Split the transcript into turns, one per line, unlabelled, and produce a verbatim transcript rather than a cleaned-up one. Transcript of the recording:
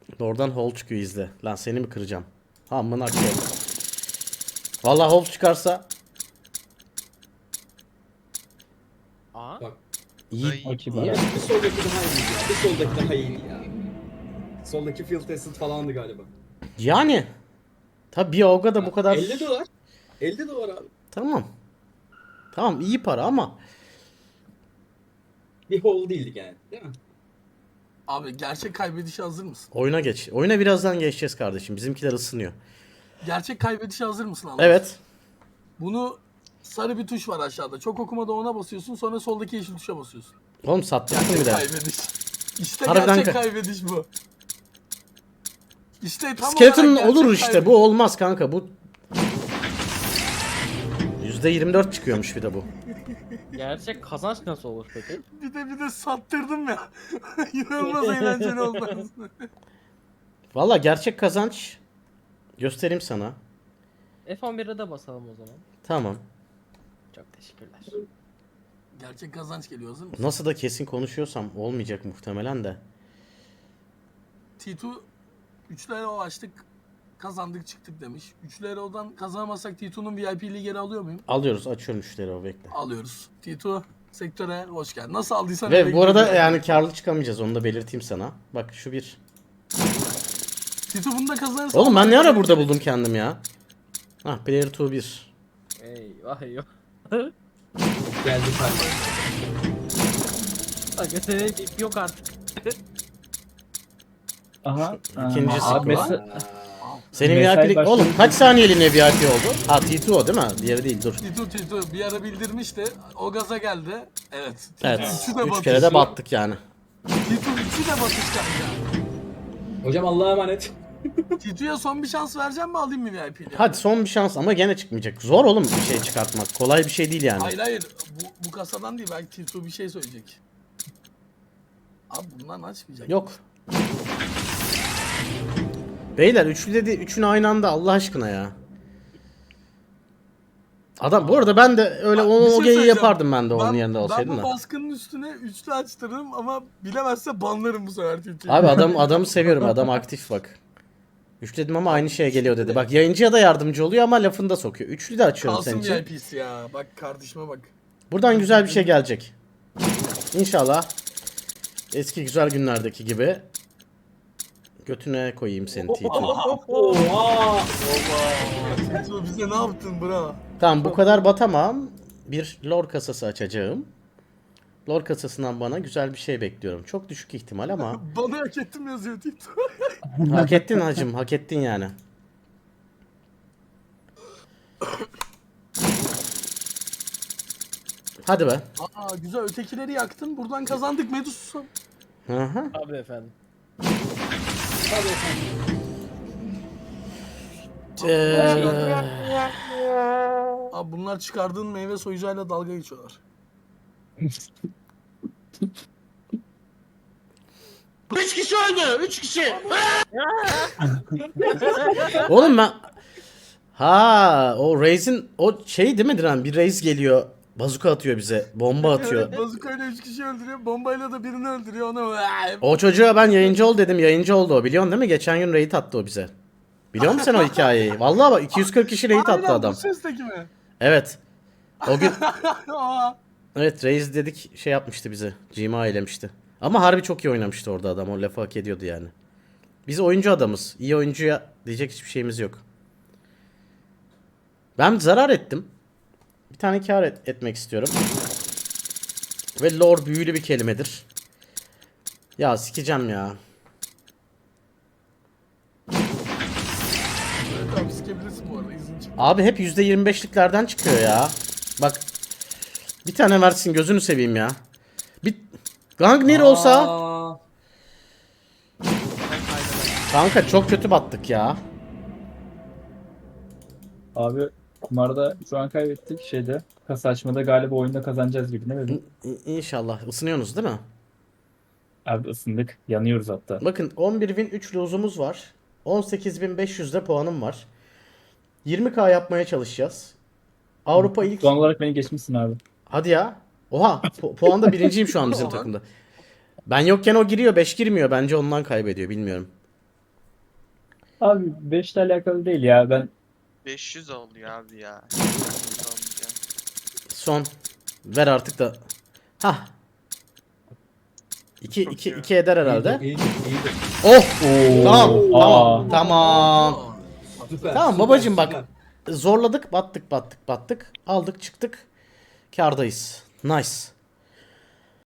Oradan hold çıkıyor izle. Lan seni mi kıracağım? Amına koyayım. Vallahi hold çıkarsa
Aa.
Bak.
iyi.
Ay,
O kibar.
iyi.
Bir soldaki daha iyi ya. Bir soldaki daha iyi ya. Soldaki field tested falandı galiba.
Yani tabii bir avga da bu kadar.
elli dolar. elli dolar abi.
Tamam. Tamam iyi para ama
Bir hole değildik yani. Değil mi?
Abi gerçek kaybedişe hazır mısın?
oyuna geç. Oyuna birazdan geçeceğiz kardeşim. Bizimkiler ısınıyor.
Gerçek kaybedişe hazır mısın Allah?
Evet.
Bunu sarı bir tuş var aşağıda. Çok okumada ona basıyorsun, sonra soldaki yeşil tuşa basıyorsun.
Oğlum sattırsın
Gerçek
bir de.
kaybediş. İşte
Harbiden
gerçek
ka-
kaybediş bu. İşte tam
Skeleton
olarak gerçek
olur işte.
kaybediş.
Bu olmaz kanka. Bu yüzde yirmi dört çıkıyormuş bir de bu.
Gerçek kazanç nasıl olur peki?
Bir de bir de sattırdım ya. İnanılmaz eğlenceli oldu aslında.
Valla gerçek kazanç göstereyim sana.
F on bir'e de basalım o zaman.
Tamam.
Çok teşekkürler.
Gerçek kazanç geliyor, hazır mısın?
Nasıl da kesin konuşuyorsam olmayacak muhtemelen de.
T iki üç lira o açtık, kazandık çıktık demiş. üç lira odan kazanamazsak T iki'nin V I P'liği geri alıyor muyum?
Alıyoruz, açıyorum müşteri o bekle.
Alıyoruz. T iki sektöre hoş geldin. Nasıl aldıysan öyle
Ve bu arada
gidiyor.
yani karlı çıkamayacağız, onu da belirteyim sana. Bak şu bir.
T iki bunu da kazanırsa...
Oğlum ben ne ara burada buldum kendim ya? Hah, player iki bir.
Eyvah eyvah.
Geldi kardeşim.
Aga senin ip yok artık.
Aha.
İkincisi
Aa,
bu.
mesela-
Senin
Mesai
V I P'lik...
başladı.
Oğlum kaç saniyeliğine V I P oldu? Ha T iki o değil mi? Diğeri değil, dur.
T iki T iki bir ara bildirmişti. O gaza geldi. Evet.
Evet,
üçü de
üç
batış.
kere de battık yani.
T iki üçü de batış kanka.
Hocam Allah'a emanet.
T iki'ye son bir şans vereceğim mi, alayım mı V I P'liği?
Hadi son bir şans ama gene çıkmayacak. Zor oğlum bir şey çıkartmak. Kolay bir şey değil yani.
Hayır hayır. Bu, bu kasadan değil. Belki T iki bir şey söyleyecek. Abi bundan açmayacak.
Yok. Beyler üçlü dedi, üçünü aynı anda Allah aşkına ya. Adam bu arada ben de öyle
Bak,
o,
bir şey
o geyiği
söyleyeceğim.
yapardım ben de onun yerinde olsaydım
Ben bu
da.
baskının üstüne üçlü açtırırım ama bilemezse banlarım bu sefer T iki'yi.
Abi adam adamı seviyorum, adam aktif bak. Üç dedim ama aynı şeye geliyor dedi. Bak yayıncıya da yardımcı oluyor ama lafını da sokuyor. Üçlü de açıyorum senin
Kalsın V I
için.
P'si ya. Bak kardeşime bak.
Buradan güzel bir şey gelecek. İnşallah. Eski güzel günlerdeki gibi. Götüne koyayım seni T iki.
Oha.
T iki bize ne yaptın bro?
Tamam bu kadar batamam. Bir lore kasası açacağım. Lore kasasından bana güzel bir şey bekliyorum. Çok düşük ihtimal ama
Bana hak ettim yazıyor T iki.
hak ettin hacım, hak ettin yani. Hadi be.
Aa güzel, ötekileri yaktın. Buradan kazandık Medus.
Hı hı.
Abi efendim.
Tabii efendim.
Ee,
Abi bunlar çıkardığın meyve soyacağıyla dalga geçiyorlar.
Üç kişi öldü. Üç kişi. Oğlum ben... Ha, o Raze'in o şey değil mi Diren? Bir Raze geliyor. Bazuka atıyor bize. Bomba atıyor.
Evet, bazukayla üç kişi öldürüyor. Bombayla da birini öldürüyor. Ona
O çocuğa ben yayıncı ol dedim. Yayıncı oldu o. Biliyorsun değil mi? Geçen gün raid attı o bize. Biliyor musun sen o hikayeyi? Vallahi bak iki yüz kırk kişi raid attı
Aynen,
adam.
bu sesteki mi?
Evet. O gün
Aa,
evet Raze dedik şey yapmıştı bize. Cima eylemişti. Ama harbi çok iyi oynamıştı orada adam. O lafı hak ediyordu yani. Biz oyuncu adamız. İyi oyuncuya diyecek hiçbir şeyimiz yok. Ben zarar ettim. Bir tane kar et- etmek istiyorum. Ve lore büyülü bir kelimedir. Ya sikeceğim ya.
evet abi sikebilirsin bu arada, izin çık.
Abi hep yüzde yirmi beşliklerden çıkıyor ya. Bak. Bir tane versin gözünü seveyim ya. Bir Gangnir olsa.
Aa,
Kanka çok kötü battık ya.
Abi kumarda şu an kaybettik şeyde. Kasa açmada galiba oyunda kazanacağız gibi ne dedim?
İ- İnşallah. Isınıyorsunuz değil mi?
Abi ısındık. Yanıyoruz hatta.
Bakın on bir bin üç lozumuz var. on sekiz bin beş yüzde puanım var. yirmi K yapmaya çalışacağız. Avrupa ilk...
Son olarak beni geçmişsin abi.
Hadi ya. Oha. Pu- puanda birinciyim şu an bizim
Oha.
takımda. Ben yokken o giriyor. beş girmiyor. Bence ondan kaybediyor. Bilmiyorum.
Abi beş ile alakalı değil ya. Ben
beş yüz oluyor abi ya. beş yüz olunca.
Son. Ver artık da. Hah. İki,
Çok
iki,
iyi.
iki eder herhalde.
İyidir, iyidir.
Oh! Tamam,
Oo,
tamam,
aa.
tamam.
Süper,
Tamam
süper,
babacım bak.
süper.
Zorladık, battık, battık, battık. Aldık, çıktık. Kârdayız. Nice.